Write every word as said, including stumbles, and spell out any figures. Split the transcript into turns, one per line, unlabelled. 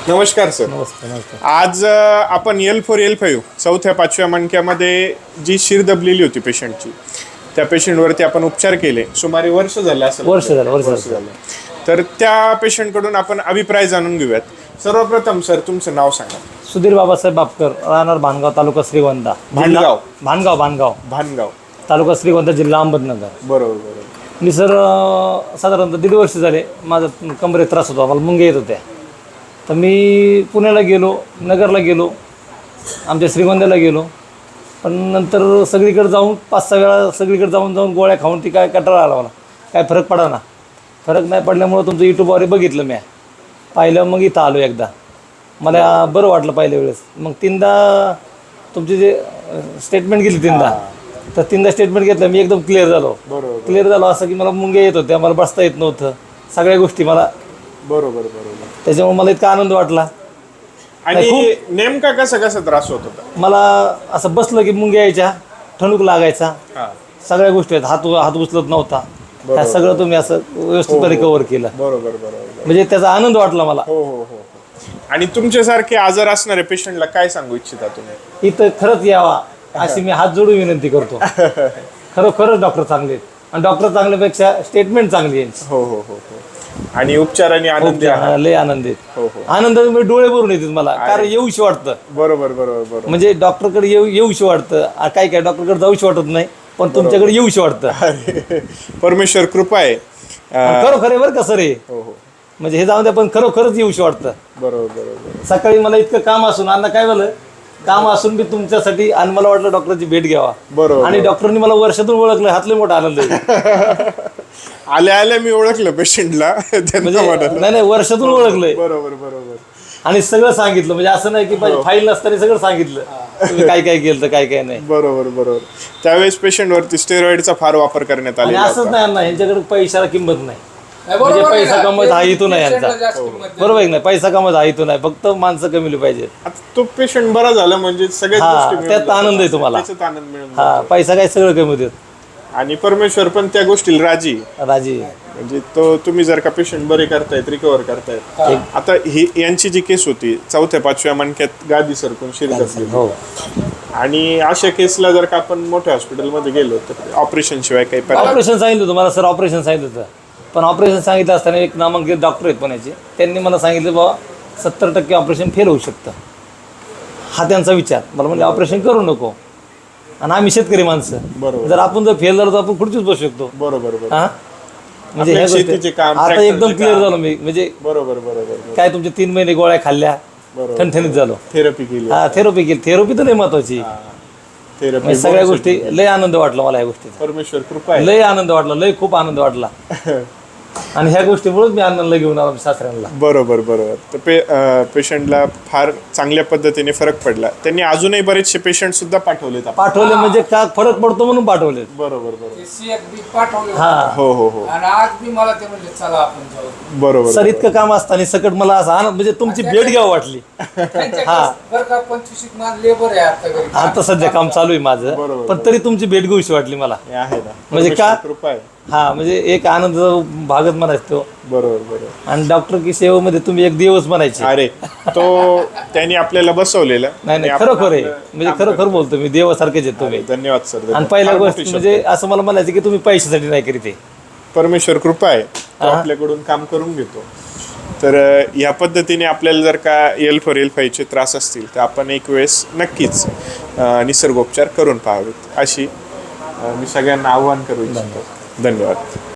नमस्कार सर.
नमस्ते नमस्ते.
आज अ, आपण एल फोर एल फाईव्ह चौथ्या पाचव्या मणक्यामध्ये जी शिर दबलेली होती पेशंटची, त्या पेशंटवरती आपण उपचार केले. सुमारे वर्ष झाले असेल.
वर्ष झालं वर्ष
वर्ष झालं. तर त्या पेशंटकडून आपण अभिप्राय जाणून घेऊयात. सर्वप्रथम सर तुमचं नाव सांगा.
सुधीर बाबासाहेब बापकर, राहणार भानगाव, तालुका श्रीगोंदा.
भानगाव
भानगाव भानगाव
भानगाव
तालुका श्रीगोंदा, जिल्हा अहमदनगर.
बरोबर बरोबर.
मी सर अं, साधारणतः दीड वर्ष झाले माझा कमरेत त्रास होता, मला मुंग्या येत होत्या. तर मी पुण्याला गेलो, नगरला गेलो, आमच्या श्रीगोंद्याला गेलो. पण नंतर सगळीकडे जाऊन पाच सहा वेळा सगळीकडे जाऊन जाऊन गोळ्या खाऊन ती काय कंटाळा आला मला. काय फरक पडा ना. फरक नाही पडल्यामुळं तुमचं यूट्यूबवर बघितलं मी, पाहिलं, मग इथं आलो एकदा. मला बरं वाटलं पहिल्या वेळेस. मग तीनदा तुमची जे स्टेटमेंट घेतली तीनदा, तर तीनदा स्टेटमेंट घेतलं मी, एकदम क्लिअर झालो.
बरोबर
क्लिअर झालो असं की मला मुंग्या येत होत्या, मला बसता येत नव्हतं, सगळ्या गोष्टी मला.
बरोबर बरोबर.
त्याच्यामुळे मला इतका आनंद वाटला.
आणि नेमका कसा कसा त्रास होत होता?
मला असं बसलं की मुंग्या यायच्या, ठणूक लागायचा,
हा
सगळ्या गोष्टी आहेत. हात हात उचलत नव्हता. ह्या सगळं तुम्ही असं व्यवस्थितपणे कव्हर केलं.
बरोबर बरोबर.
म्हणजे त्याचा आनंद वाटला मला.
हो हो हो. आणि तुमच्यासारखे आजार असणाऱ्या पेशंटला काय सांगू इच्छिता तुम्ही?
इथं खरंच यावा अशी मी हात जोडून विनंती करतो. खरोखरच डॉक्टर चांगले आहेत, आणि डॉक्टर चांगल्यापेक्षा स्टेटमेंट चांगली आहे.
हो हो हो हो. आणि उपचाराने आनंदी आहात.
लय आनंद आहेत.
हो हो.
आनंदाने म्हणजे डोळे भरून येतात मला, कारण येऊशी वाटतं.
बरोबर बरोबर बरोबर.
म्हणजे डॉक्टरकडे येऊ येऊशी वाटतं. आ, काय काय डॉक्टरकडे जाऊशी वाटत नाही, पण तुमच्याकडे येऊशी वाटतं.
अरे, परमेश्वर कृपा आहे. अं,
खरोखर आहे बरं का सर हे.
हो हो.
म्हणजे हे जाऊन द्या, पण खरोखरच येऊशी वाटतं.
बरोबर बरोबर.
सकाळी मला इतकं काम असून, अण्णा काय झालं, काम असून मी तुमच्यासाठी, आणि मला वाटलं डॉक्टरची भेट घ्यावा.
बरोबर.
आणि डॉक्टरनी मला वर्षातून ओळखलं, हातले मोठा आनंद आहे.
आल्या आल्या मी ओळखलं पेशंटला. त्यांना
म्हणजे
म्हणालं.
नाही नाही वर्षातून ओळखलंय,
बरोबर बरोबर.
आणि सगळं सांगितलं. म्हणजे असं नाही की फाईल नसताना सगळं सांगितलं तुम्ही काय काय केलं, तर काय काय नाही.
बरोबर बरोबर. त्यावेळेस पेशंट वरती स्टेरॉइडचा फार वापर करण्यात
आणि
आलेला
असंच
होता.
नाही अण्णा, यांच्याकडे पैशाला किंमत नाही. म्हणजे पैसा कमवायचा हा हेतू नाही यांचा. बरोबर आहे नाही, पैसा कमवायचा हा हेतू नाही, फक्त माणसं कमवली पाहिजे.
आता तो पेशंट बरा झाला म्हणजे सगळ्याच
हा,
गोष्टी मिळून
त्यात
जातात.
आनंद आहे तुम्हाला.
त्याच्यात आनंद मिळून
हा, पैसा काय सगळं कमी देत.
जातो. आणि परमेश्वर पण त्या गोष्टीला राजी आहे.
राजी.
म्हणजे तो तुम्ही जर का पेशंट बरे करतायत, रिकवर करतायत. आता ही यांची जी केस होती, चौथ्या पाचव्या मणक्यात गादी सरकून शिर दबली.
हो.
आणि अशा केसला जर का आपण मोठ्या हॉस्पिटलमध्ये गेलो तर ऑपरेशन शिवाय काही पर्याय.
ऑपरेशन सांगितलं होतं मला सर, ऑपरेशन सांगितलं होतं. पण ऑपरेशन सांगितलं असताना एक नामांकित डॉक्टर आहेत पुण्याचे, त्यांनी मला सांगितलं बाबा सत्तर टक्के ऑपरेशन फेल होऊ शकतं. हा त्यांचा विचार. मला म्हणजे ऑपरेशन करू नको, आणि आम्ही शेतकरी माणसं,
बरोबर.
जर आपण जर फेल झालो तर आपण खुर्चीच बसू शकतो.
बरोबर बरोबर.
हा, म्हणजे ह्या
शेतीचे
गोष्टी
काम,
आता
ट्रॅक्टरचे
एकदम क्लिअर
काम.
झालो मी. म्हणजे
बरोबर बरोबर.
काय तुमचे तीन महिने गोळ्या खाल्ल्या,
बरोबर.
ठणठणीत झालो.
थेरपी केली.
हा, थेरपी केली. थेरपी तर लय महत्वाची.
थेरपी
म्हणजे सगळ्या गोष्टी लय आनंद वाटला मला या गोष्टीचा.
परमेश्वर कृपा आहे.
लय आनंद वाटला, लय खूप आनंद वाटला. आणि ह्या गोष्टीमुळेच मी आनंदला घेऊन आलो सासऱ्यांना.
बरोबर बरोबर. तर पे पेशंटला फार चांगल्या पद्धतीने फरक पडला. त्यांनी अजूनही बरेचसे पेशंट सुद्धा पाठवलेत आपण.
पाठवले म्हणजे का फरक पडतो म्हणून पाठवले.
बरोबर बरोबर.
पाठवले
हा,
हो हो हो.
आणि आज मी मला ते म्हणले चला आपण जाऊ.
बरोबर.
सर इतकं काम असताना सकट मला असं आनंद, म्हणजे तुमची भेट घ्यावं वाटली. हा,
बरं का, पंचवीस मान लेबर आहे आता घरी.
आता सध्या काम चालू आहे माझं,
बरोबर,
पण तरी तुमची भेट घेऊशी वाटली मला.
हे आहे ना.
म्हणजे का?
परमेश्वर कृपा आहे.
हा, म्हणजे एक आनंद भागच म्हणायचो.
बरोबर बरोबर.
आणि डॉक्टर की सेवेमध्ये तुम्ही एक दिवस म्हणायचे.
अरे, तो त्यांनी आपल्याला बसवलेला.
नाही नाही,
आणि आपण
खरोखर आहे.
आपलं
म्हणजे
काम
खरोखर
करतो.
बोलतो मी, देवासारखेच आहेत तुम्ही.
धन्यवाद सर.
आणि
धन्यवाद.
पहिल्या
फार
गोष्ट
मोठी
म्हणजे
शब्द.
असं मला म्हणायचं की तुम्ही पैशासाठी नाही करीत आहे.
परमेश्वर कृपा आहे, तो आपल्याकडून काम करून घेतो. तर अ, या पद्धतीने आपल्याला जर का एल फोर एल फाईव्हचे त्रास असतील तर आपण एक वेळेस नक्कीच अ, निसर्गोपचार करून पाहावेत, अशी अ, मी सगळ्यांना आव्हान करू इच्छितो. धन्यवाद.